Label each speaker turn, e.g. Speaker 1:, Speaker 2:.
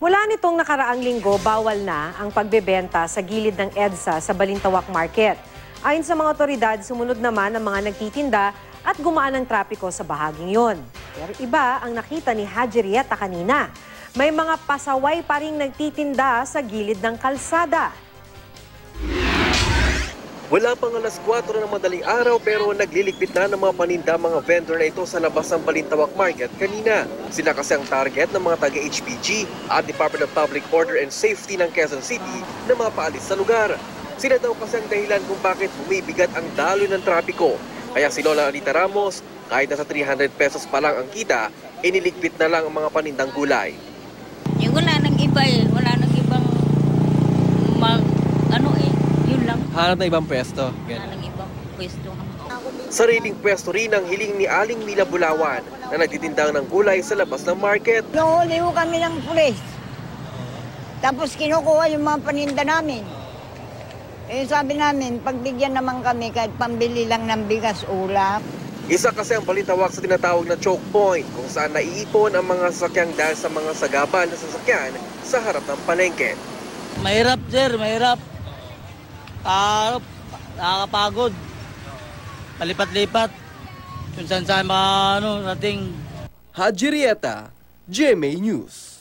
Speaker 1: Mula nitong nakaraang linggo, bawal na ang pagbebenta sa gilid ng EDSA sa Balintawak Market. Ayon sa mga otoridad, sumunod naman ang mga nagtitinda at gumaan ang trapiko sa bahaging yon. Pero iba ang nakita ni Haji Rieta kanina. May mga pasaway pa ring nagtitinda sa gilid ng kalsada.
Speaker 2: Wala pang alas 4 ng madaling araw pero nagliligpit na ng mga paninda mga vendor na ito sa labas ng Balintawak Market kanina. Sila kasi ang target ng mga taga-HPG at Department of Public Order and Safety ng Quezon City na mapaalis sa lugar. Sila daw kasi ang dahilan kung bakit bumibigat ang daloy ng trapiko. Kaya si Lola Anita Ramos, kahit nasa 300 pesos pa lang ang kita, iniligpit na lang ang mga panindang gulay.
Speaker 3: Wala nang iba wala nang ibang yun lang.
Speaker 4: Hanap na ibang pwesto.
Speaker 3: Wala nang ibang pwesto.
Speaker 2: Sariling pwesto rin ang hiling ni Aling Mila Bulawan na nagtitindang ng gulay sa labas ng market.
Speaker 5: Nahuli ho kami ng pulis. Tapos kinukuha yung mga paninda namin. Sabi namin, pagbigyan naman kami kahit pambili lang ng bigas ulam.
Speaker 2: Isa kasi ang Balintawak sa tinatawag na choke point kung saan naiipon ang mga sasakyang dahil sa mga sagabal na sasakyan sa harap ng palengke.
Speaker 4: Mahirap, sir. Mahirap. Nakakapagod. Palipat-lipat. Kung saan mga rating.
Speaker 2: Haji Rieta, GMA News.